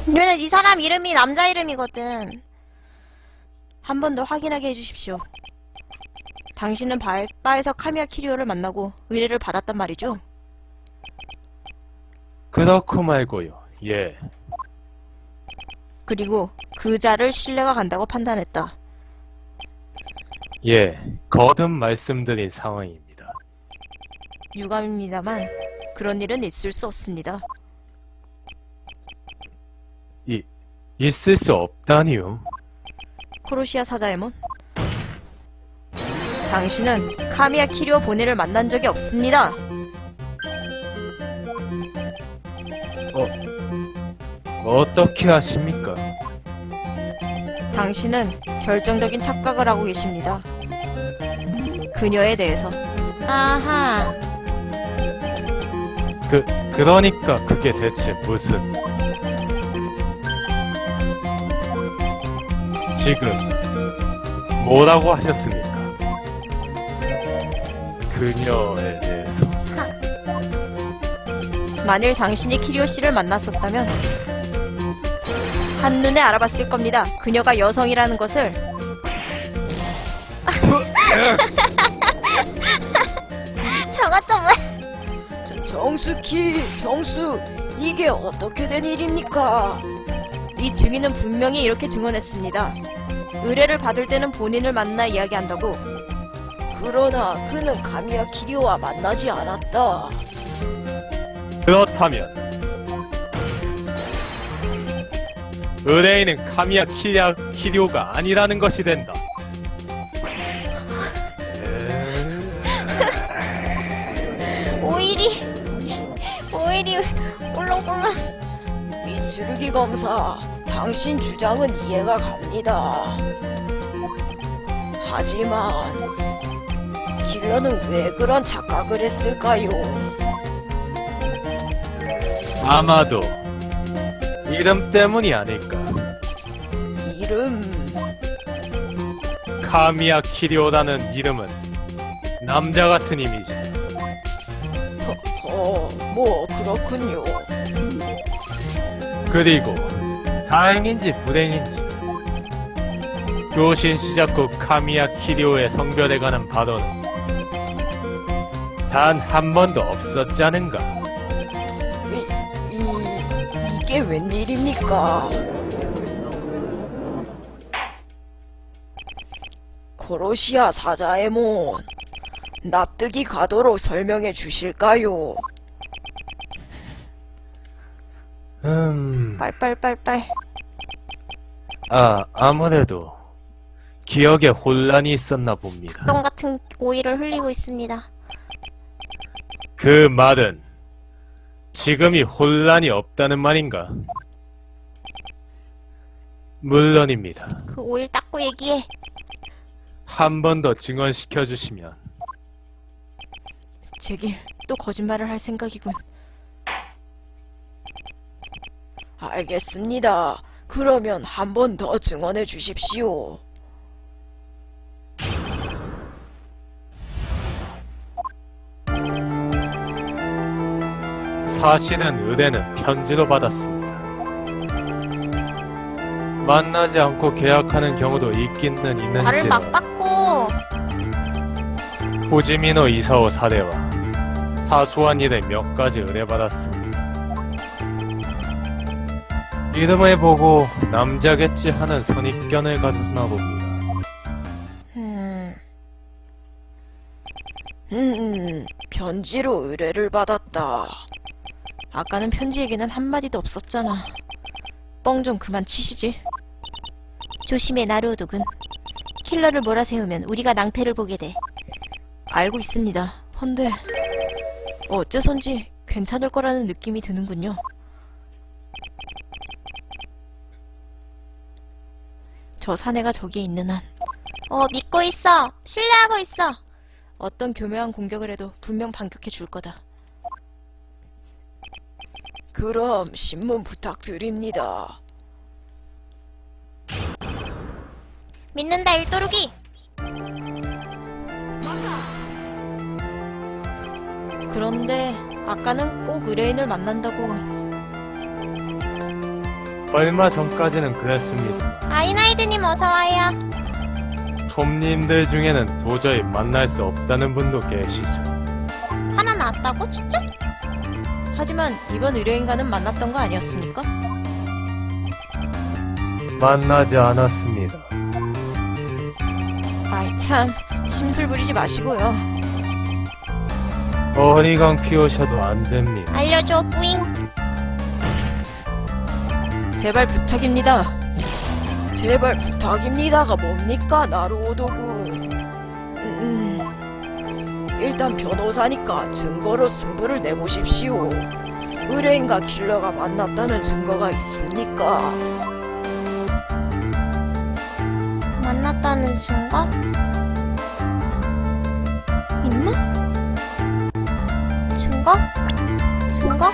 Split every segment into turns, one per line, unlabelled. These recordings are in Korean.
왜냐면 이 사람 이름이 남자 이름이거든. 한 번 더 확인하게 해주십시오. 당신은 바에서 카미야 키리오를 만나고 의뢰를 받았단 말이죠?
그렇고 말고요. 예.
그리고 그 자를 신뢰가 간다고 판단했다.
예. 거듭 말씀드린 상황입니다.
유감입니다만 그런 일은 있을 수 없습니다.
있을 수 없다니요.
코로시아 사자에몬, 당신은 카미야 키리오 본인을 만난 적이 없습니다.
어떻게 아십니까?
당신은 결정적인 착각을 하고 계십니다. 그녀에 대해서. 아하.
그러니까 그게 대체 무슨... 지금 뭐라고 하셨습니까? 그녀에 대해서.
만일 당신이 키리오 씨를 만났었다면 한눈에 알아봤을 겁니다. 그녀가 여성이라는 것을. 저것도 뭐야?
정수, 이게 어떻게 된 일입니까?
이 증인은 분명히 이렇게 증언했습니다. 의뢰를 받을 때는 본인을 만나 이야기한다고.
그러나 그는 카미야 키리오와 만나지 않았다.
그렇다면 의뢰인은 카미야 키리오가 아니라는 것이 된다.
오일이 꿀렁꿀렁.
미츠루기 검사, 당신 주장은 이해가 갑니다. 하지만 킬러는 왜 그런 착각을 했을까요?
아마도 이름 때문이 아닐까.
이름...
카미야 키리오라는 이름은 남자 같은 이미지.
뭐 그렇군요.
그리고 다행인지 불행인지 교신 시작 후 카미야 키리오의 성별에 관한 발언은 단 한 번도 없었지 않은가.
이게 웬일입니까? 코로시아 사자에몬, 납득이 가도록 설명해 주실까요?
빨빨빨빨.
아무래도 기억에 혼란이 있었나 봅니다.
똥 같은 오일을 흘리고 있습니다.
그 말은 지금이 혼란이 없다는 말인가? 물론입니다.
그 오일 닦고 얘기해.
한 번 더 증언시켜 주시면.
제길 또 거짓말을 할 생각이군.
알겠습니다. 그러면 한 번 더 증언해 주십시오.
사실은 의뢰는 편지로 받았습니다. 만나지 않고 계약하는 경우도 있기는
발을
있는지로
막 닦고.
호지미노 이사오 사례와 사소한 일에 몇 가지 의뢰받았습니다. 이름을 보고 남자겠지 하는 선입견을 가졌나 봅니다.
편지로 의뢰를 받았다.
아까는 편지 얘기는 한마디도 없었잖아. 뻥 좀 그만 치시지. 조심해, 나루오독은. 킬러를 몰아세우면 우리가 낭패를 보게 돼. 알고 있습니다. 헌데 어째선지 괜찮을 거라는 느낌이 드는군요. 저 사내가 저기에 있는 한. 믿고 있어. 신뢰하고 있어. 어떤 교묘한 공격을 해도 분명 반격해 줄 거다.
그럼 신문 부탁드립니다.
믿는다, 일도루기. 그런데 아까는 꼭 의뢰인을 만난다고.
얼마 전까지는 그랬습니다.
아이나이드님 어서와요.
톰님들 중에는 도저히 만날 수 없다는 분도 계시죠.
하나 났다고? 진짜?
하지만 이번 의뢰인과는 만났던 거 아니었습니까?
만나지 않았습니다.
아이 참, 심술 부리지 마시고요.
어리광 피우셔도 안 됩니다.
알려줘 뿌잉.
제발 부탁입니다. 제발 부탁입니다가 뭡니까, 나루오도군. 일단 변호사니까 증거로 승부를 내보십시오. 의뢰인과 킬러가 만났다는 증거가 있습니까?
만났다는 증거? 있나? 증거? 증거?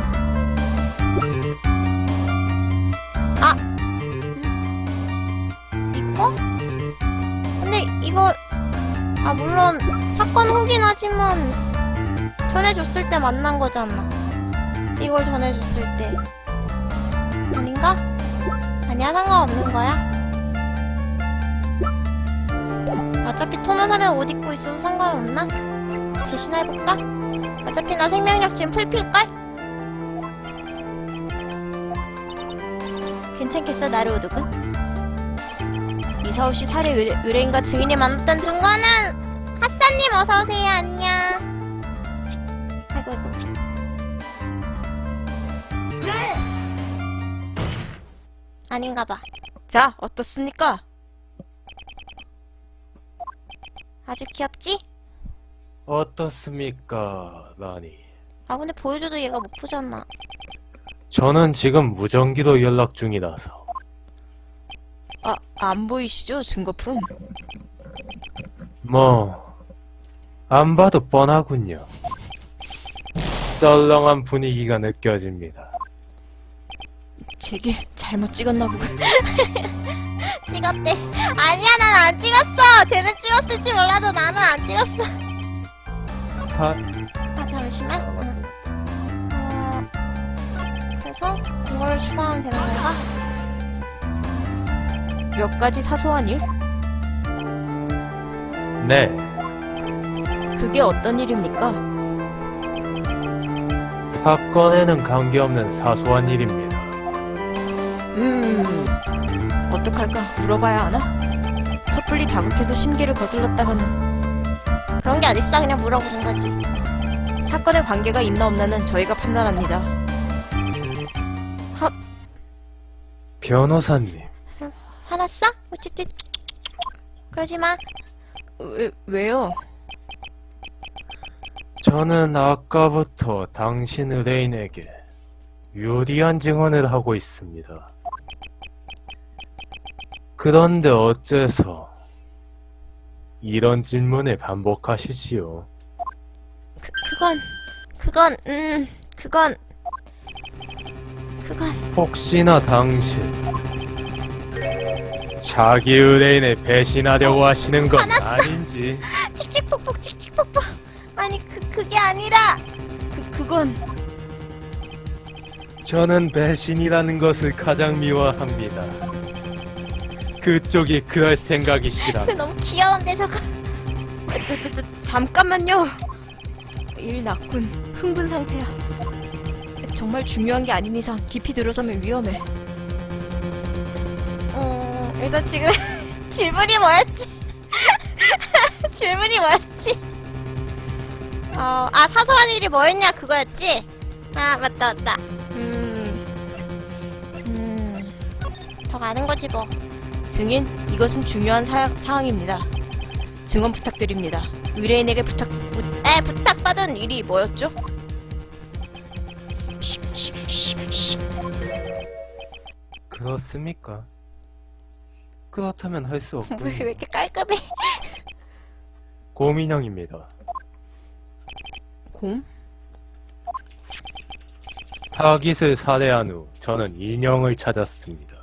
아! 이거? 근데 이거 물론 사건 후긴 하지만 전해줬을 때 만난 거잖아. 이걸 전해줬을 때 아닌가? 아니야, 상관없는 거야. 어차피 토너 사면 옷 입고 있어도 상관없나? 제시나 해볼까? 어차피 나 생명력 지금 풀필걸? 괜찮겠어, 나루오독은?
이사오씨 살해 의뢰인과 증인이 만났다는
증거는 핫사님 어서오세요. 안녕. 아이고 아이고. 아닌가봐.
자, 어떻습니까?
아주 귀엽지?
어떻습니까, 라니?
근데 보여줘도 얘가 못 보잖아.
저는 지금 무전기로 연락 중이라서.
안 보이시죠, 증거품?
안 봐도 뻔하군요. 썰렁한 분위기가 느껴집니다.
제길 잘못 찍었나 보군.
찍었대. 아니야, 난 안 찍었어. 쟤는 찍었을지 몰라도 나는 안 찍었어. 잠시만. 그래서 이걸 추가하면 되는 건가?
몇 가지 사소한 일?
네,
그게 어떤 일입니까?
사건에는 관계없는 사소한 일입니다.
어떡할까? 물어봐야 하나? 섣불리 자극해서 심기를 거슬렀다가는.
그런 게 어딨어. 그냥 물어보는 거지.
사건에 관계가 있나 없나는 저희가 판단합니다.
변호사님,
화났어? 어쨌든 그러지 마.
왜요?
저는 아까부터 당신 의뢰인에게 유리한 증언을 하고 있습니다. 그런데 어째서 이런 질문을 반복하시지요?
그건
혹시나 당신 자기 의뢰인을 배신하려고 하시는 건
화났어.
아닌지.
칙칙폭폭 칙칙폭폭. 아니 그게 아니라
그건
저는 배신이라는 것을 가장 미워합니다. 그쪽이 그럴 생각이시라면.
너무 귀여운데 저거.
잠깐만요. 일 났군. 흥분 상태야. 정말 중요한 게 아닌 이상 깊이 들어서면 위험해.
일단 지금 질문이 뭐였지? 질문이 뭐였지? 사소한 일이 뭐였냐 그거였지? 맞다. 더 가는 거지 뭐.
증인, 이것은 중요한 사항입니다. 증언 부탁드립니다. 의뢰인에게 부탁받은 일이 뭐였죠?
그렇습니까? 그렇다면 할 수
왜
없군요.
이렇게 깔끔해?
고민형입니다.
곰?
타깃을 살해한 후 저는 인형을 찾았습니다.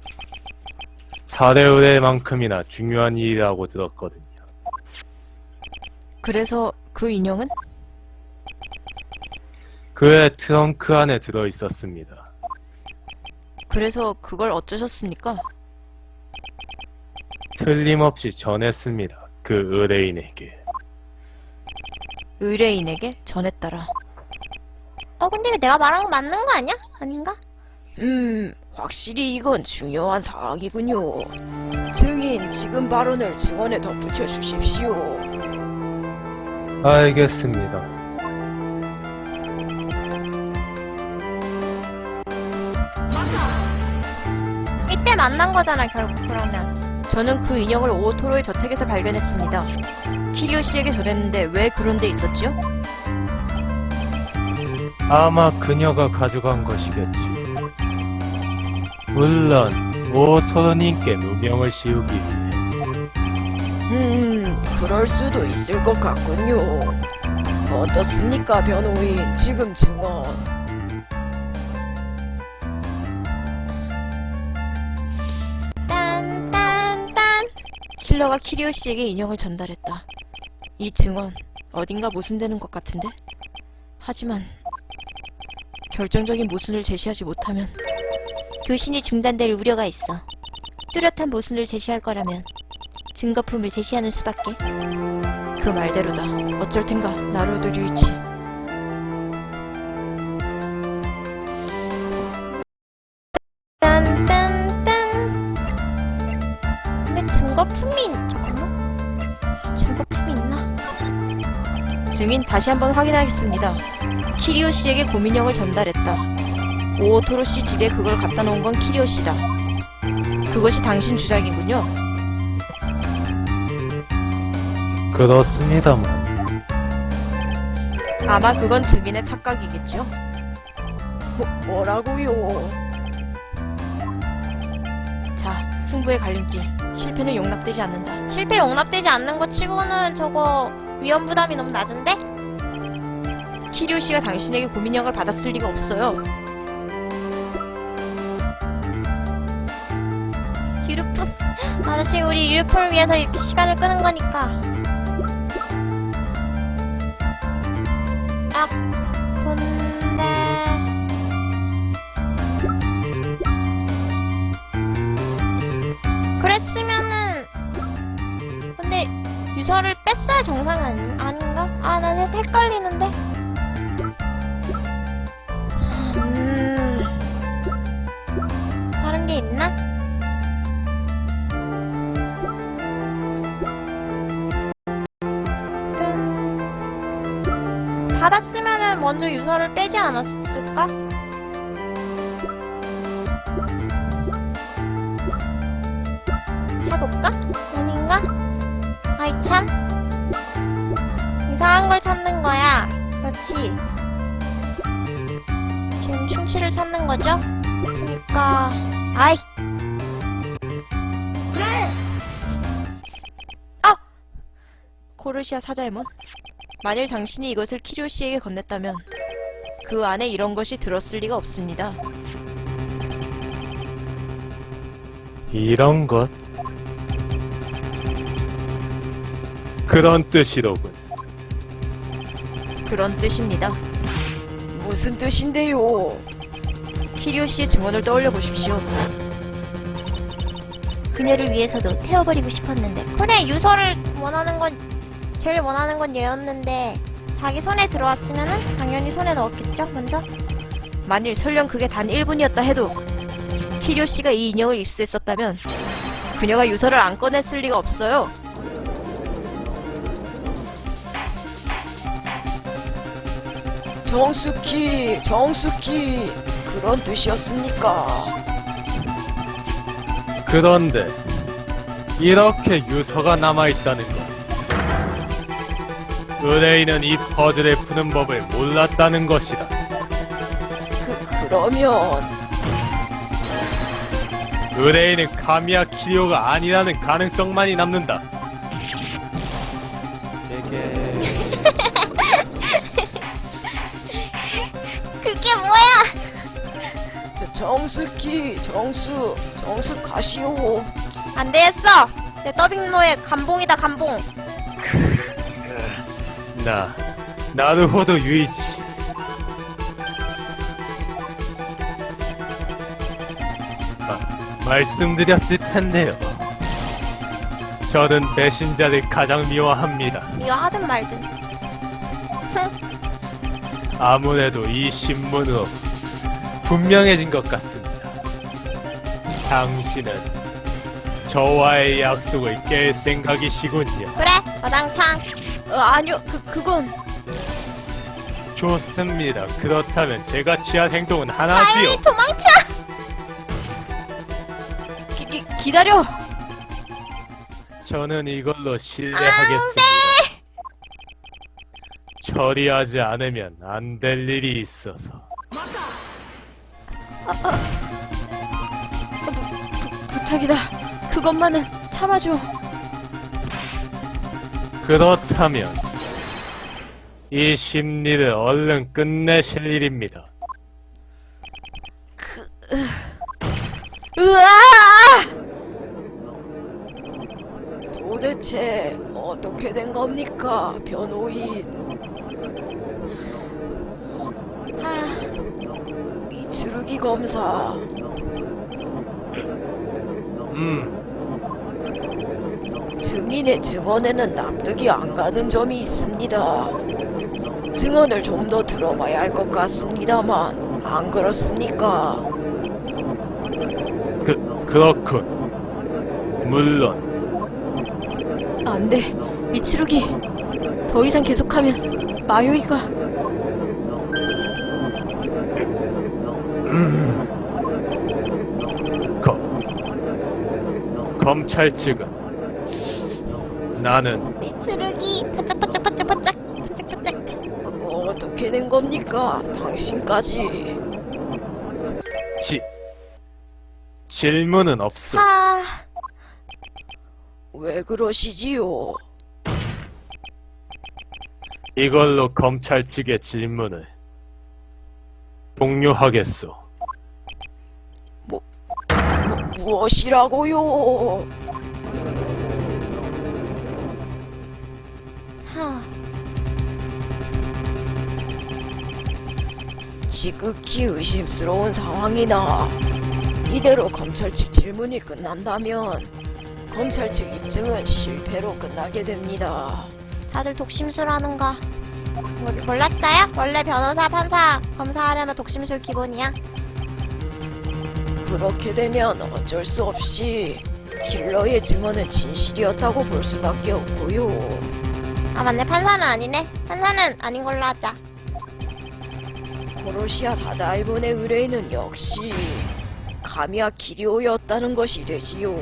살해 의뢰만큼이나 중요한 일이라고 들었거든요.
그래서 그 인형은?
그의 트렁크 안에 들어있었습니다.
그래서 그걸 어쩌셨습니까?
틀림없이 전했습니다. 그 의뢰인에게.
의뢰인에게 전했더라.
근데 이거 내가 말한 거 맞는 거 아니야? 아닌가?
확실히 이건 중요한 사항이군요. 증인, 지금 발언을 증언에 덧붙여 주십시오.
알겠습니다.
이때 만난 거잖아, 결국 그러면.
저는 그 인형을 오토로의 저택에서 발견했습니다. 키리오 씨에게 전했는데 왜 그런 데 있었지요?
아마 그녀가 가져간 것이겠지. 물론 오토로님께 누명을 씌우기 위해.
그럴 수도 있을 것 같군요. 어떻습니까, 변호인? 지금 증언.
딴딴딴.
킬러가 키리오 씨에게 인형을 전달했다. 이 증언 어딘가 모순되는 것 같은데? 하지만 결정적인 모순을 제시하지 못하면
교신이 중단될 우려가 있어. 뚜렷한 모순을 제시할 거라면 증거품을 제시하는 수밖에.
그 말대로다. 어쩔 텐가, 나루오도 류이치.
딴딴딴. 근데 증거품이 잠깐만. 증거품이 있나?
증인 다시 한번 확인하겠습니다. 키리오 씨에게 고민형을 전달했다. 오토로 씨 집에 그걸 갖다 놓은 건 키리오 씨다. 그것이 당신 주장이군요.
그렇습니다만.
아마 그건 증인의 착각이겠죠? 뭐라고요? 자, 승부의 갈림길. 실패는 용납되지 않는다.
실패 용납되지 않는 거 치고는 저거 위험 부담이 너무 낮은데?
키리오 씨가 당신에게 고민형을 받았을 리가 없어요.
유류품. 아저씨, 우리 유류품을 위해서 이렇게 시간을 끄는 거니까. 아, 근데 그랬으면은 근데 유서를 뺐어야 정상 아닌가? 아, 나 헷갈리는데. 다른 게 있나? 받았으면은 먼저 유서를 빼지 않았을까? 해볼까? 아닌가? 아이 참 이상한 걸 찾는 거야. 그렇지. 지금 충치를 찾는 거죠? 그러니까 아이
코르시아 사자에몬. 만일 당신이 이것을 키리오 씨에게 건넸다면 그 안에 이런 것이 들었을 리가 없습니다.
이런 것? 그런 뜻이로군.
그런 뜻입니다. 무슨 뜻인데요? 키리오 씨의 증언을 떠올려 보십시오.
그녀를 위해서도 태워버리고 싶었는데. 그래, 유서를 제일 원하는 건 얘였는데 자기 손에 들어왔으면은 당연히 손에 넣었겠죠, 먼저?
만일 설령 그게 단 1분이었다 해도 키리오 씨가 이 인형을 입수했었다면 그녀가 유서를 안 꺼냈을 리가 없어요. 정숙히 그런 뜻이었습니까?
그런데 이렇게 유서가 남아있다는 것. 의뢰인은 이 퍼즐을 푸는 법을 몰랐다는 것이다.
그러면
의뢰인은 카미야 키리오가 아니라는 가능성만이 남는다.
그게 뭐야?
정수 가시오.
안 되겠어. 내 더빙로의 감봉이다, 감봉.
나루호도 유이치. 말씀드렸을 텐데요. 저는 배신자를 가장 미워합니다.
미워하든 말든.
아무래도 이 신문으로 분명해진 것 같습니다. 당신은 저와의 약속을 깰 생각이시군요.
그래, 와장창.
아니요, 그건
좋습니다. 그렇다면 제가 취한 행동은 하나지요.
빨리 도망쳐!
기다려.
저는 이걸로 신뢰하겠습니다. 처리하지 않으면 안 될 일이 있어서.
부탁이다. 그것만은 참아줘.
그렇다면 이 심리를 얼른 끝내실 일입니다.
으아! 도대체 어떻게 된 겁니까, 변호인? 미츠루기 검사. 증인의 증언에는 납득이 안 가는 점이 있습니다. 증언을 좀 더 들어봐야 할 것 같습니다만, 안 그렇습니까?
그렇군. 물론
안 돼, 미츠루기. 더 이상 계속하면 마요이가.
검찰 측은 나는
미츠루기 반짝반짝반짝반짝 반짝반짝.
어떻게 된 겁니까, 당신까지?
질문은 없어.
왜 그러시지요?
이걸로 검찰 측의 질문을 종료하겠소.
무엇이라고요? 지극히 의심스러운 상황이나 이대로 검찰 측 질문이 끝난다면 검찰 측 입증은 실패로 끝나게 됩니다.
다들 독심술하는가? 몰랐어요? 원래 변호사, 판사, 검사하려면 독심술 기본이야.
그렇게 되면 어쩔 수 없이 킬러의 증언은 진실이었다고 볼 수밖에 없고요.
아 맞네, 판사는 아니네. 판사는 아닌 걸로 하자.
코로시아 사자일본의 의뢰인은 역시 가미야 기리오였다는 것이 되지요.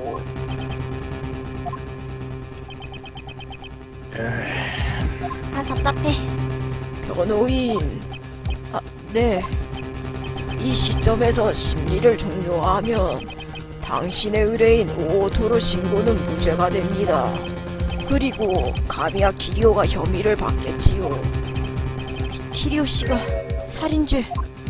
아 답답해.
변호인. 네. 이 시점에서 심리를 종료하면 당신의 의뢰인 오오토로 신고는 무죄가 됩니다. 그리고 가미야 기리오가 혐의를 받겠지요. 기리오 씨가 살인죄.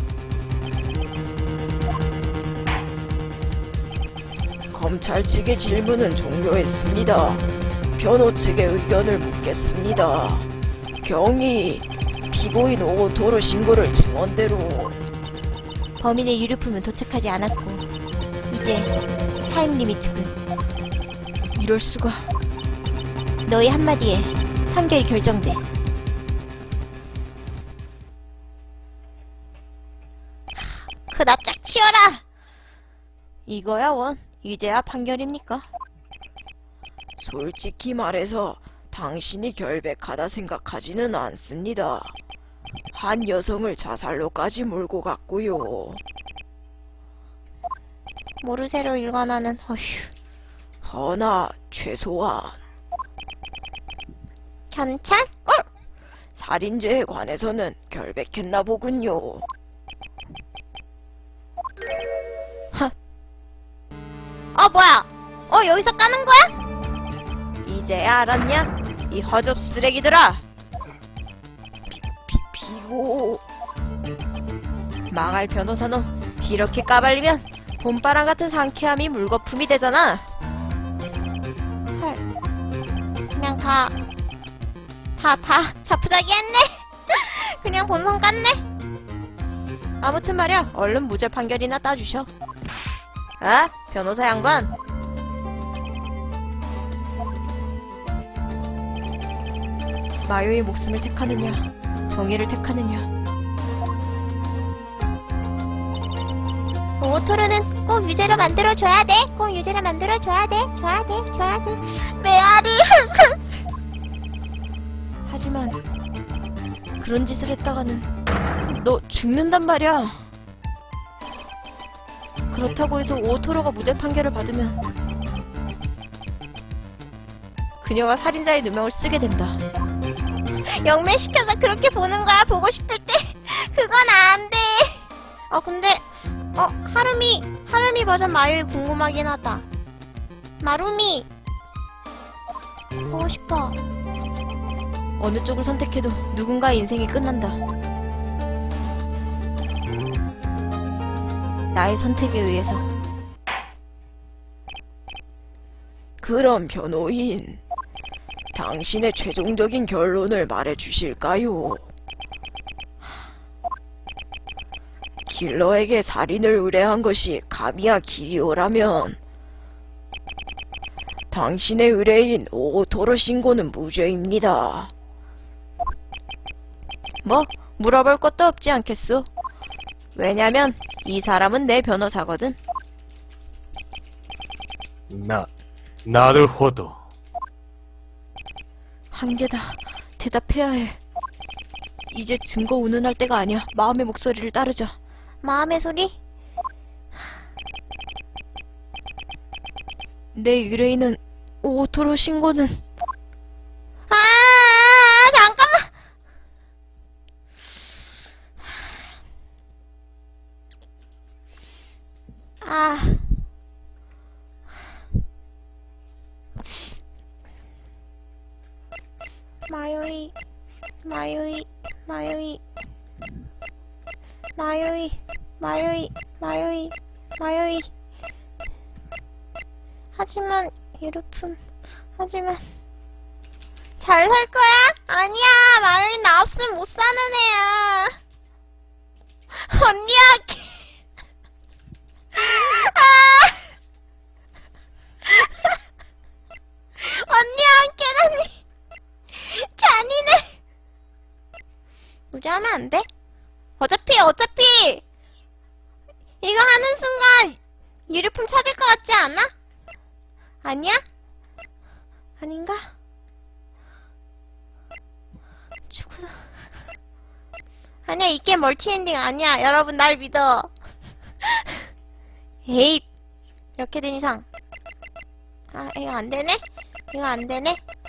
검찰 측의 질문은 종료했습니다. 변호 측의 의견을 묻겠습니다. 경위 피고인 오오토로 신고를 증언대로.
범인의 유류품은 도착하지 않았고 이제 타임 리미트군.
이럴 수가.
너의 한마디에 판결이 결정돼. 그 납작 치워라!
이거야 원. 이제야 판결입니까? 솔직히 말해서 당신이 결백하다 생각하지는 않습니다. 한 여성을 자살로까지 몰고 갔고요.
모르쇠로 일관하는 어휴.
허나 최소한
경찰?
살인죄에 관해서는 결백했나 보군요.
뭐야? 여기서 까는 거야?
이제야 알았냐? 이 허접 쓰레기들아! 비고... 망할 변호사놈, 이렇게 까발리면 봄바람 같은 상쾌함이 물거품이 되잖아.
헐. 그냥 다 자푸자기 했네? 그냥 본성 깠네?
아무튼 말이야, 얼른 무죄 판결이나 따주셔.
아? 변호사 양반?
마요의 목숨을 택하느냐, 정의를 택하느냐.
오토로는 꼭 유죄로 만들어줘야 돼. 꼭 유죄로 만들어줘야 돼. 줘야 돼. 줘야 돼. 메아리.
하지만 그런 짓을 했다가는 너 죽는단 말이야. 그렇다고 해서 오토로가 무죄 판결을 받으면 그녀가 살인자의 누명을 쓰게 된다.
영매시켜서 그렇게 보는 거야. 보고 싶을 때. 그건 안 돼. 근데 하루미 버전 마요이 궁금하긴 하다. 마루미 보고 싶어.
어느 쪽을 선택해도 누군가의 인생이 끝난다. 나의 선택에 의해서. 그럼 변호인, 당신의 최종적인 결론을 말해주실까요? 킬러에게 살인을 의뢰한 것이 가미야 기리오라면 당신의 의뢰인 오토로 신고는 무죄입니다. 뭐 물어볼 것도 없지 않겠소? 왜냐면 이 사람은 내 변호사거든.
나르호도.
한계다. 대답해야 해. 이제 증거 운운할 때가 아니야. 마음의 목소리를 따르자.
마음의 소리?
내 의뢰인은 오토로 신고는
잠깐만. 마요이. 하지만 하지만 잘 살 거야? 아니야. 마요이 나 없으면 못 사는 애야. 언니야. 언니야 함께라니. 잔인해. 무죄하면 안 돼? 어차피 이거 하는 순간 유류품 찾을 것 같지 않아? 아니야? 아닌가? 죽어도 아니야. 이 게임 멀티엔딩 아니야. 여러분 날 믿어. 에잇. 이렇게 된 이상 이거 안되네? 이거 안되네?